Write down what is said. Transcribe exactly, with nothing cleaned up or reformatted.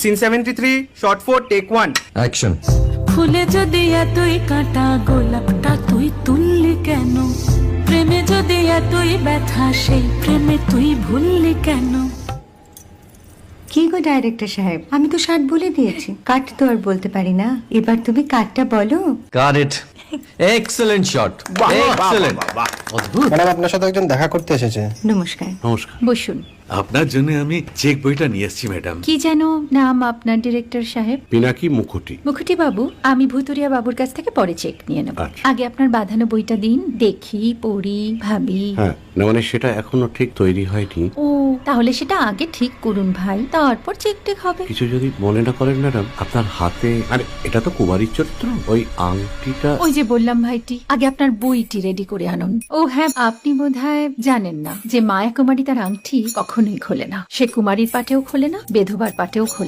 Scene seventy three shot four take one action. ফুলে যদি এতই কাঁটা গোলাপটা তুই তুললি কেন? প্রেমে যদি এতই ব্যথা সেই প্রেমে তুই ভুললি কেন? কি গো ডাইরেক্টর সাহেব, আমি তো ষাট বলে দিয়েছি, কাট তো আর বলতে পারি না, এবার তুমি কাটটা বলো। Got it. Excellent shot, excellent. অদ্ভুত। ম্যাডাম আপনার সাথে একজন দেখা করতে এসেছে। নমস্কার। নমস্কার। বসুন। আপনার জন্য আমি চেক বইটা নিয়ে এসেছি ম্যাডাম। কি যেন নাম আপনার ডিরেক্টর সাহেব? পিনাকি মুখোটি। মুখুটি বাবু, আমি ভুতুরিয়া বাবুর কাছ থেকে পরে চেক নিয়ে নেব। আচ্ছা। আগে আপনার বাঁধানো বইটা দিন, দেখি, পড়ি, ভাবি। হ্যাঁ, না মানে সেটা এখনো ঠিক তৈরি হয়নি। ও, তাহলে সেটা আগে ঠিক করুন ভাই, তারপর চেক টেক হবে। কিছু যদি মনে না করেন ম্যাডাম, আপনার হাতে, আরে এটা তো কুমারীর চরিত্র, ওই আংটিটা। ওই যে বললাম ভাইটি, আগে আপনার বইটি রেডি করে আনুন। ও হ্যাঁ, আপনি বোধহয় জানেন না যে মায়া কুমারী তার আংটি কখনোই খোলে না। সে কুমারীর পাটেও খোলে না, বেধবার পাটেও খোলে না।